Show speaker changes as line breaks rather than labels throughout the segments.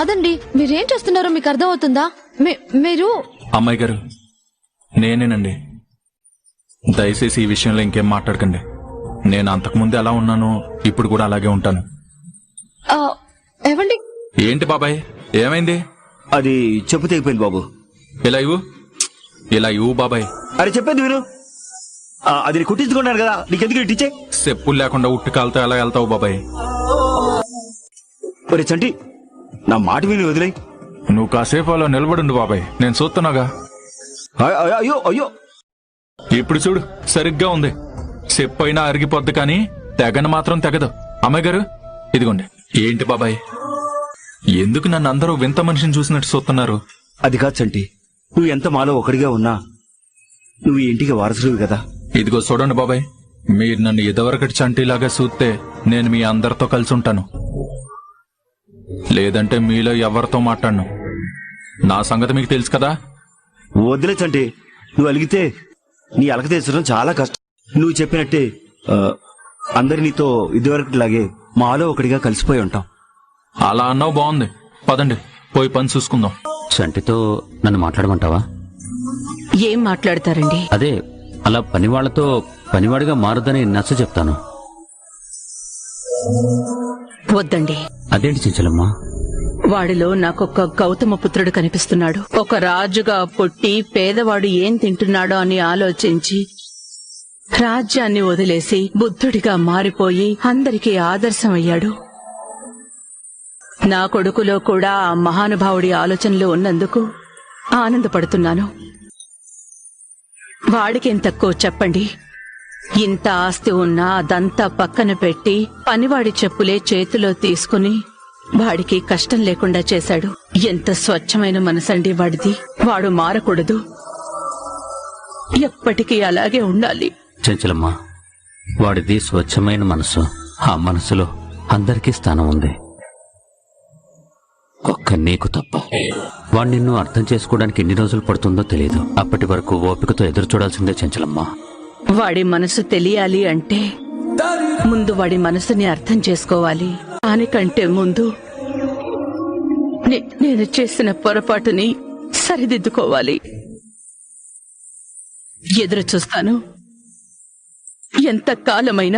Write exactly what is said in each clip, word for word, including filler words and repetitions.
కాదండి, మీరేం చేస్తున్నారో మీకు అర్థం అవుతుందా? మీరు
అమ్మాయి గారు, నేనేనండి. దయచేసి ఈ విషయంలో ఇంకేం మాట్లాడకండి. నేను అంతకుముందు ఎలా ఉన్నానో ఇప్పుడు కూడా అలాగే ఉంటాను.
ఏవండి?
ఏంటి బాబాయ్, ఏమైంది?
అది చెప్పు తెగిపోయింది బాబు.
ఇలా ఇవ్వు, ఇలా ఇవ్వు బాబాయ్.
అరే చెప్పేది మీరు, అది కుట్టించుకున్నాను కదా, నీకెందుకు ఇట్టించే?
చెప్పులు లేకుండా ఉట్టి కాలుతో ఎలా వెళ్తావు బాబాయ్?
ఒరే చంటి, నా మాట విని వదిలే.
నువ్వు కాసేపు అలా నిలబడుండు బాబాయ్, నేను చూస్తున్నాగా.
అయ్యో అయ్యో,
ఇప్పుడు చూడు సరిగ్గా ఉంది. చెప్పు అయినా అరిగిపోద్ది కానీ తెగను మాత్రం తెగదు. అమ్మాయి గారు ఇదిగోండి. ఏంటి బాబాయ్, ఎందుకు నన్ను అందరూ వింత మనిషిని చూసినట్టు చూస్తున్నారు?
అది కాదు చంటి, నువ్వు ఎంత మాలో ఒకడిగా ఉన్నా నువ్వు ఈ ఇంటికి వారసుడివి కదా.
ఇదిగో చూడండి బాబాయ్, మీరు నన్ను ఇదివరకటి చంటిలాగా చూస్తే నేను మీ అందరితో కలిసి ఉంటాను, లేదంటే మీలో ఎవరితో మాట్లాడను. నా సంగతి మీకు తెలుసు కదా.
వదిలే చంటి, నువ్వు అలిగితే నీ అలక తీర్చడం చాలా కష్టం. నువ్వు చెప్పినట్టే అందరి నీతో ఇదివరకటిలాగే మాలో ఒకటిగా కలిసిపోయి ఉంటాం.
అలా అన్నావు, బాగుంది. పదండి పోయి పని చూసుకుందాం.
చంటితో నన్ను మాట్లాడమంటావా?
ఏం మాట్లాడతారండి?
అదే అలా పనివాళ్లతో పనివాడిగా మారదని నచ్చ చెప్తాను.
వద్దండి.
అదేంటి చించలమ్మా?
వాడిలో నాకొక్క గౌతమ పుత్రుడు కనిపిస్తున్నాడు. ఒక రాజుగా పుట్టి పేదవాడు ఏం తింటున్నాడో అని ఆలోచించి రాజ్యాన్ని వదిలేసి బుద్ధుడిగా మారిపోయి అందరికీ ఆదర్శమయ్యాడు. నా కొడుకులో కూడా ఆ మహానుభావుడి ఆలోచనలు ఉన్నందుకు ఆనందపడుతున్నాను. వాడికేం తక్కువ చెప్పండి? ఇంత ఆస్తి ఉన్నా అదంతా పక్కన పెట్టి పనివాడి చెప్పులే చేతిలో తీసుకుని వాడికి కష్టం లేకుండా చేశాడు. ఎంత స్వచ్ఛమైన మనసండి వాడిది. వాడు మారకూడదు, ఎప్పటికీ అలాగే ఉండాలి.
చంచలమ్మా, వాడిది స్వచ్ఛమైన మనసు. ఆ మనసులో అందరికీ స్థానం ఉంది, ఒక్క నీకు తప్ప. వాడు నిన్ను అర్థం చేసుకోవడానికి ఎన్ని రోజులు పడుతుందో తెలియదు. అప్పటి వరకు ఓపికతో ఎదురు చూడాల్సిందే చంచలమ్మా.
వాడి మనసు తెలియాలి అంటే ముందు వాడి మనసుని అర్థం చేసుకోవాలి. దానికంటే ముందు నేను చేసిన పొరపాటుని సరిదిద్దుకోవాలి. ఎదురు చూస్తాను, ఎంత కాలమైనా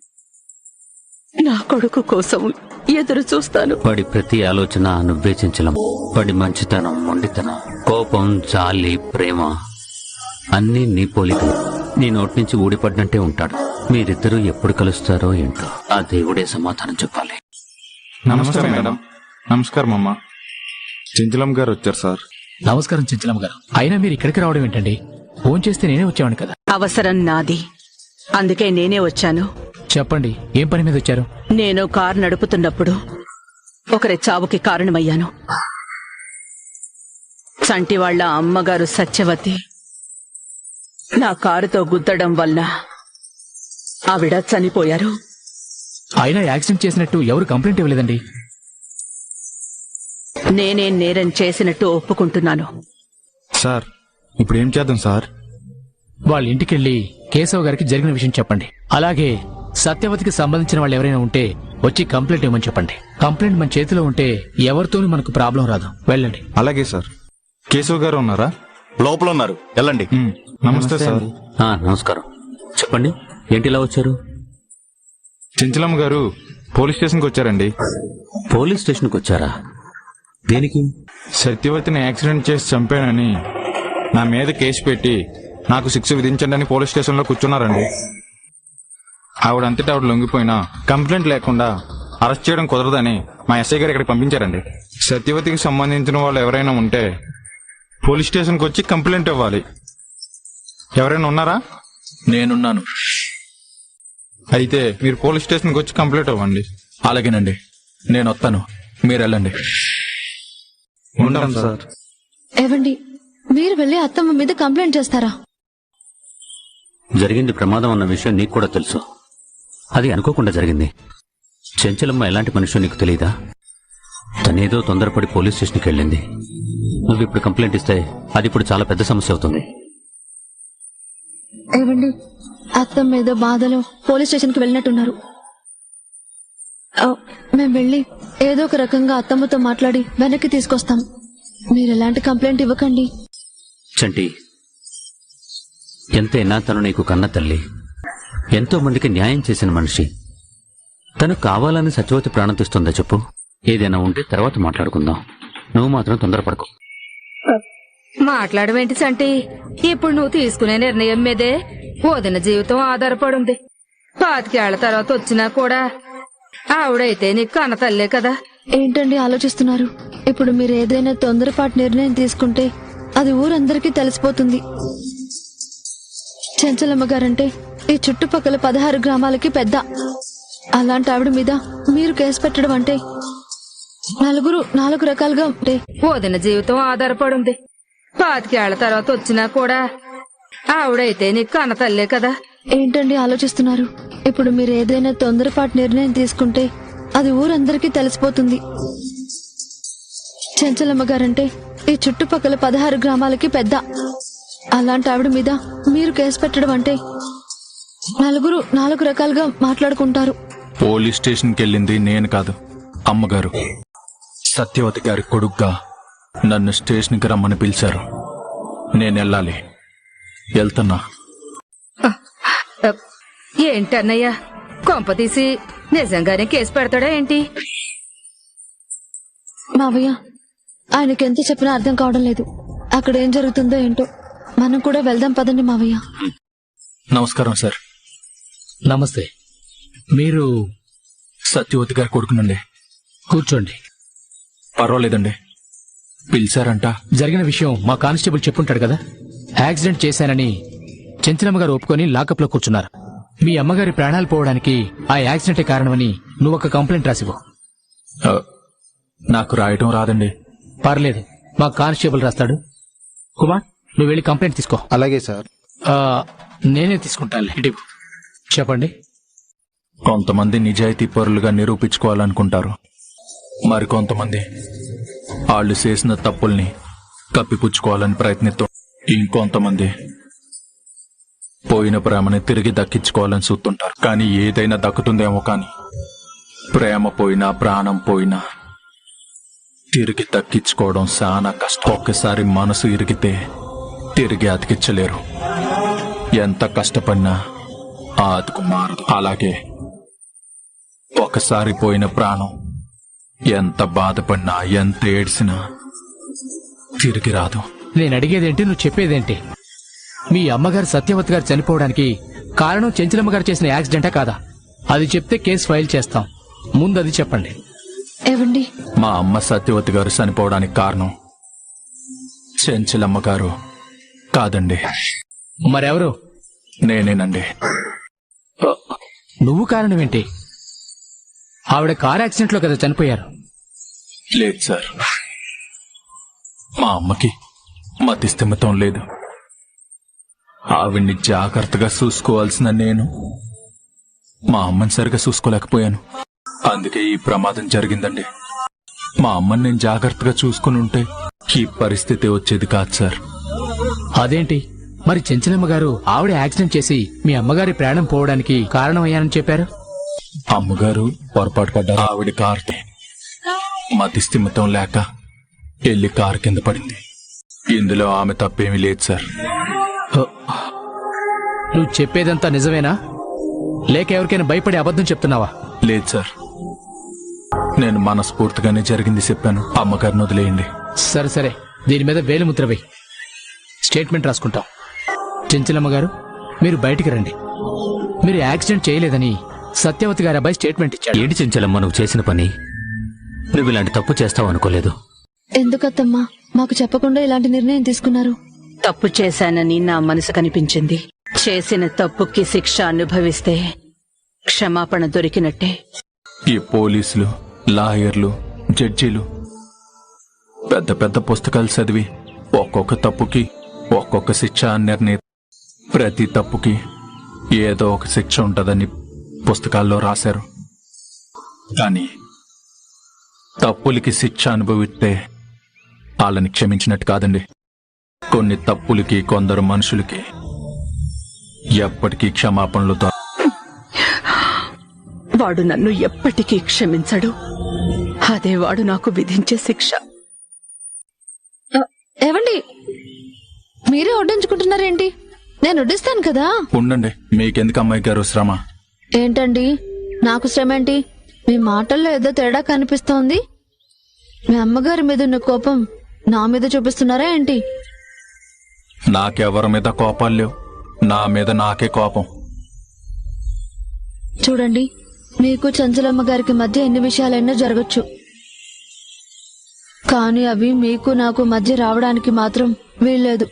నా కొడుకు కోసం ఎదురు చూస్తాను.
వాడి ప్రతి ఆలోచన నువ్వే చంచలం. వాడి మంచితనం, మొండితనం, కోపం, జాలి, ప్రేమ అన్నీ నీ పోలికలు. నీ నోటి నుంచి ఊడిపడినట్టే ఉంటాడు. మీరిద్దరూ ఎప్పుడు కలుస్తారో ఏంటో ఆ దేవుడే సమాధానం చెప్పాలి.
నమస్కారం మేడం. నమస్కారం అమ్మా.
చించలం గారు వచ్చారు సార్.
నమస్కారం చించలం గారు. అయినా మీరు ఇక్కడికి రావడం ఏంటండి? ఫోన్ చేస్తే నేనే వచ్చాను కదా.
అవసరం నాది, అందుకే నేనే వచ్చాను.
చెప్పండి, ఏం పని మీద వచ్చారు?
నేను కారు నడుపుతున్నప్పుడు ఒకరి చావుకి కారణమయ్యాను. చంటి వాళ్ల అమ్మగారు సత్యవతి నా కారుతో గుద్దడం వల్ల ఆవిడ చనిపోయారు.
అయినా యాక్సిడెంట్ చేసినట్టు ఎవరు కంప్లైంట్ ఇవ్వలేదండి.
నేనే నేరం చేసినట్టు ఒప్పుకుంటున్నాను.
సార్ ఇప్పుడు ఏం చేద్దాం సార్?
వాళ్ళ ఇంటికెళ్లి కేశవ్ గారికి జరిగిన విషయం చెప్పండి. అలాగే సత్యవతికి సంబంధించిన వాళ్ళు ఎవరైనా ఉంటే వచ్చి కంప్లైంట్ ఇవ్వమని చెప్పండి. కంప్లైంట్ మన చేతిలో ఉంటే ఎవరితోనూ మనకు ప్రాబ్లం రాదు. వెళ్ళండి.
అలాగే సార్. కేశవ్ గారు ఉన్నారా?
లోపల ఉన్నారు, వెళ్ళండి.
నమస్తే సార్.
నమస్కారం. చెప్పండి, ఏంటి ఇలా వచ్చారు?
చించలం గారు పోలీస్ స్టేషన్కి వచ్చారండి.
పోలీస్ స్టేషన్కి వచ్చారా? దేనికి?
సత్యవతిని యాక్సిడెంట్ చేసి చంపానని నా మీద కేసు పెట్టి నాకు శిక్ష విధించండి అని పోలీస్ స్టేషన్లో కూర్చున్నారండి. ఆవిడంతటా ఆవిడ లొంగిపోయినా కంప్లైంట్ లేకుండా అరెస్ట్ చేయడం కుదరదని మా ఎస్ఐ గారు ఇక్కడికి పంపించారండి. సత్యవతికి సంబంధించిన వాళ్ళు ఎవరైనా ఉంటే పోలీస్ స్టేషన్కి వచ్చి కంప్లైంట్ ఇవ్వాలి. ఎవరైనా ఉన్నారా?
నేనున్నాను.
అయితే మీరు పోలీస్ స్టేషన్కి వచ్చి కంప్లైంట్ ఇవ్వండి.
అలాగేనండి, నేను వస్తాను, మీరు వెళ్ళండి.
ఉంటాం సార్.
ఏవండి, మీరు వెళ్ళి అత్తమ్మ మీద కంప్లైంట్ చేస్తారా?
జరిగింది ప్రమాదం అన్న విషయం నీకు కూడా తెలుసు. అది అనుకోకుండా జరిగింది. చెంచలమ్మ ఎలాంటి మనిషో నీకు తెలియదా? తనేదో తొందరపడి పోలీస్ స్టేషన్కి వెళ్ళింది. నువ్వు ఇప్పుడు కంప్లైంట్ ఇస్తే అది ఇప్పుడు చాలా పెద్ద సమస్య అవుతుంది.
ఏవండి, అత్తమ్మ ఏదో బాధలో పోలీస్ స్టేషన్కి వెళ్ళినట్టున్నారు. ఆ, మేం వెళ్ళి ఏదో ఒక రకంగా అత్తమ్మతో మాట్లాడి వెనక్కి తీసుకొస్తాం. మీరు ఎలాంటి కంప్లైంట్ ఇవ్వకండి.
చంటి, ఎంతైనా తను నీకు కన్న తల్లి, ఎంతో మందికి న్యాయం చేసిన మనిషి. తను కావాలని సత్యవతి ప్రాణం తీస్తుందా చెప్పు? ఏదైనా ఉంటే తర్వాత మాట్లాడుకుందాం. నువ్వు మాత్రం తొందరపడకు.
మాట్లాడవేంటి సంటి? ఇప్పుడు నువ్వు తీసుకునే నిర్ణయం మీదే వదిన జీవితం ఆధారపడుంది. పాతికేళ్ల తర్వాత వచ్చినా కూడా ఆవిడైతే నీకు కన్న తల్లే కదా.
ఏంటండి ఆలోచిస్తున్నారు? ఇప్పుడు మీరు ఏదైనా తొందరపాటు నిర్ణయం తీసుకుంటే అది ఊరందరికీ తెలిసిపోతుంది. చెంచలమ్మ గారంటే ఈ చుట్టుపక్కల పదహారు గ్రామాలకి పెద్ద. అలాంటి ఆవిడ మీద మీరు కేసు పెట్టడం అంటే నలుగురు నాలుగు రకాలుగా ఉంటే
వదిన జీవితం ఆధారపడుంది. పాతికేళ్ల తర్వాత వచ్చినా కూడా ఆవిడైతే నీకు కన్న తల్లే కదా.
ఏంటండి ఆలోచిస్తున్నారు? ఇప్పుడు మీరు ఏదైనా తొందరపాటు నిర్ణయం తీసుకుంటే అది ఊరందరికీ తెలిసిపోతుంది. చెంచలమ్మ గారంటే ఈ చుట్టుపక్కల పదహారు గ్రామాలకి పెద్ద. అలాంటి ఆవిడ మీద మీరు కేసు పెట్టడం అంటే నలుగురు నాలుగు రకాలుగా మాట్లాడుకుంటారు.
పోలీస్ స్టేషన్కి వెళ్ళింది నేను కాదు, అమ్మగారు. సత్యవతి గారి కొడుగ్గా నన్ను స్టేషన్కి రమ్మని పిలిచారు. నేను వెళ్ళాలి. వెళ్తున్నా.
ఏంటన్నయ్యా, కొంపతీసి నిజంగానే కేసు పెడతాడా ఏంటి?
మావయ్య, ఆయనకి ఎంత చెప్పినా అర్థం కావడం లేదు. అక్కడ ఏం జరుగుతుందో ఏంటో. మనం కూడా వెళ్దాం పదండి మావయ్య.
నమస్కారం సార్.
నమస్తే. మీరు
సత్యవతి గారి కొడుకునండి.
కూర్చోండి.
పర్వాలేదండి. పిలిచారంట.
జరిగిన విషయం మా కానిస్టేబుల్ చెప్పుంటాడు కదా. యాక్సిడెంట్ చేశానని చెంచలమ్మ గారు ఒప్పుకొని లాకప్ లో కూర్చున్నారు. మీ అమ్మగారి ప్రాణాలు పోవడానికి ఆ యాక్సిడెంటే కారణమని నువ్వు ఒక కంప్లైంట్ రాసివ్వు.
ఆ, నాకు రాయటం రాదండి.
పర్లేదు, మా కానిస్టేబుల్ రాస్తాడు. కుమార్, నువ్వు వెళ్ళి కంప్లైంట్ తీసుకో.
అలాగే సార్.
ఆ, నేనే తీసుకుంటాను. ఇటు ఇవ్వు. చెప్పండి.
కొంతమంది నిజాయితీ పరులుగా నిరూపించుకోవాలనుకుంటారు. మరి కొంతమంది వాళ్ళు చేసిన తప్పుల్ని కప్పిపుచ్చుకోవాలని ప్రయత్నిస్తూ, ఇంకొంతమంది పోయిన ప్రేమని తిరిగి దక్కించుకోవాలని చూస్తుంటారు. కానీ ఏదైనా దక్కుతుందేమో కానీ ప్రేమ పోయినా ప్రాణం పోయినా తిరిగి దక్కించుకోవడం చాలా కష్టం. ఒక్కసారి మనసు ఇరిగితే తిరిగి అతికించలేరు. ఎంత కష్టపడినా ఆ అతుకు మారదు. అలాగే ఒకసారి పోయిన ప్రాణం ఎంత బాధపడినా ఎంత ఏడ్చినా తిరిగి రాదు.
నేను అడిగేదేంటి, నువ్వు చెప్పేదేంటి? మీ అమ్మగారు సత్యవతి గారు చనిపోవడానికి కారణం చెంచలమ్మ గారు చేసిన యాక్సిడెంటా కాదా? అది చెప్తే కేసు ఫైల్ చేస్తాం. ముందు అది చెప్పండి.
ఏవండి,
మా అమ్మ సత్యవతి గారు చనిపోవడానికి కారణం చెంచలమ్మ గారు కాదండి,
మరెవరు?
నేనేనండి.
నువ్వు కారణం ఏంటి? ఆవిడ కార్ యాక్సిడెంట్ లో కదా చనిపోయారు.
లేదు సార్, మా అమ్మకి మతిస్థిమితం లేదు. ఆవిడ్ని జాగ్రత్తగా చూసుకోవాల్సిన నేను మా అమ్మని సరిగా చూసుకోలేకపోయాను. అందుకే ఈ ప్రమాదం జరిగిందండి. మా అమ్మని నేను జాగ్రత్తగా చూసుకుని ఉంటే ఈ పరిస్థితి వచ్చేది కాదు సార్.
అదేంటి మరి? చెంచలమ్మ గారు ఆవిడ యాక్సిడెంట్ చేసి మీ అమ్మగారి ప్రాణం పోవడానికి కారణమయ్యానని చెప్పారు.
అమ్మగారు పొరపాటు పడ్డారు. ఆవిడ కారు మతిస్థిమితం లేక వెళ్లి కారు కింద పడింది. ఇందులో ఆమె తప్పేమీ లేదు సార్.
నువ్వు చెప్పేదంతా నిజమేనా, లేక ఎవరికైనా భయపడి అబద్ధం చెప్తున్నావా?
లేదు సార్, నేను మనస్ఫూర్తిగానే జరిగింది చెప్పాను. అమ్మగారిని వదిలేయండి.
సరే సరే, దీని మీద వేలిముద్ర వేయి. స్టేట్మెంట్ రాసుకుంటాం. చెంచలమ్మ గారు, మీరు బయటికి రండి. మీరు యాక్సిడెంట్ చేయలేదని సత్యవతి గారి అబ్బాయి స్టేట్మెంట్ ఇచ్చాడు.
ఏంటి చెంచలమ్మ నువ్వు చేసిన పని? నువ్వు ఇలాంటి తప్పు చేస్తావు అనుకోలేదు.
ఎందుకత్తమ్మా మాకు చెప్పకుండా ఇలాంటి నిర్ణయం తీసుకున్నారు?
తప్పు చేశానని నా మనసు కనిపించింది. చేసిన తప్పుకి శిక్ష అనుభవిస్తే క్షమాపణ దొరికినట్టే.
ఈ పోలీసులు, లాయర్లు, జడ్జీలు పెద్ద పెద్ద పుస్తకాలు చదివి ఒక్కొక్క తప్పుకి ఒక్కొక్క శిక్ష నిర్ణయి. ప్రతి తప్పుకి ఏదో ఒక శిక్ష ఉంటదని పుస్తకాల్లో రాశారు. కానీ తప్పులకి శిక్ష అనుభవిస్తే వాళ్ళని క్షమించినట్టు కాదండి. కొన్ని తప్పులకి కొందరు మనుషులకి ఎప్పటికీ క్షమాపణలు దొర
వాడు నన్ను ఎప్పటికీ క్షమించడు. అదే వాడు నాకు విధించే శిక్ష.
ఏవండి, మీరే వడ్డించుకుంటున్నారేంటి? నేను వడ్డిస్తాను కదా.
ఉండండి, మీకెందుకు అమ్మాయి గారు శ్రమ?
ఏంటండి నాకు శ్రమ ఏంటి? మీ మాటల్లో ఏదో తేడా కనిపిస్తోంది. మీ అమ్మగారి మీద ఉన్న కోపం నా మీద చూపిస్తున్నారా ఏంటి?
నాకెవరి మీద కోపాలు లేవు, నా మీద నాకే కోపం.
చూడండి, మీకు చంచలమ్మ గారికి మధ్య ఎన్ని విషయాలైనా జరగచ్చు, కానీ అవి మీకు నాకు మధ్య రావడానికి మాత్రం వీల్లేదు.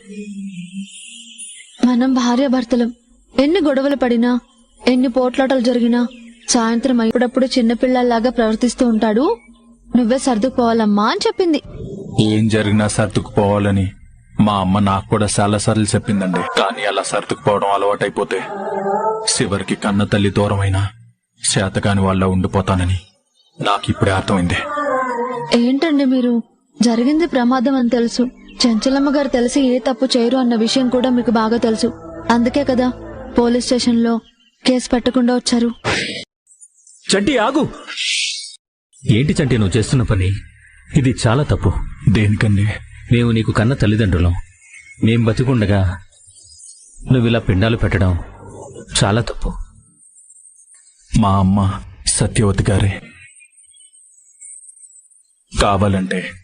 మనం భార్యాభర్తలం. ఎన్ని గొడవలు పడినా, ఎన్ని పోట్లాటలు జరిగినా సాయంత్రం అప్పుడప్పుడు చిన్నపిల్లల్లాగా ప్రవర్తిస్తూ ఉంటాడు. నువ్వే సర్దుకుపోవాలమ్మా అని చెప్పింది.
ఏం జరిగినా సర్దుకుపోవాలని మా అమ్మ నాకు కూడా చాలా సార్లు చెప్పిందండి. కానీ అలా సర్దుకుపోవడం అలవాటైపోతే చివరికి కన్న తల్లి దూరమైనా చేతకాని వాళ్ళ ఉండిపోతానని నాకు ఇప్పుడే అర్థమైంది.
ఏంటండి మీరు? జరిగింది ప్రమాదం అని తెలుసు. చంచలమ్మ గారు తెలిసి ఏ తప్పు చేయరు అన్న విషయం కూడా మీకు బాగా తెలుసు. అందుకే కదా పోలీస్ స్టేషన్ లో కేసు పెట్టకుండా వచ్చారు.
చంటి ఆగు. ఏంటి చంటి నువ్వు చేస్తున్న పని? ఇది చాలా తప్పు.
దేనికండి?
మేము నీకు కన్న తల్లిదండ్రులం. మేం బతికుండగా నువ్విలా పిండాలు పెట్టడం చాలా తప్పు.
మా అమ్మ సత్యవతి గారే. కావాలంటే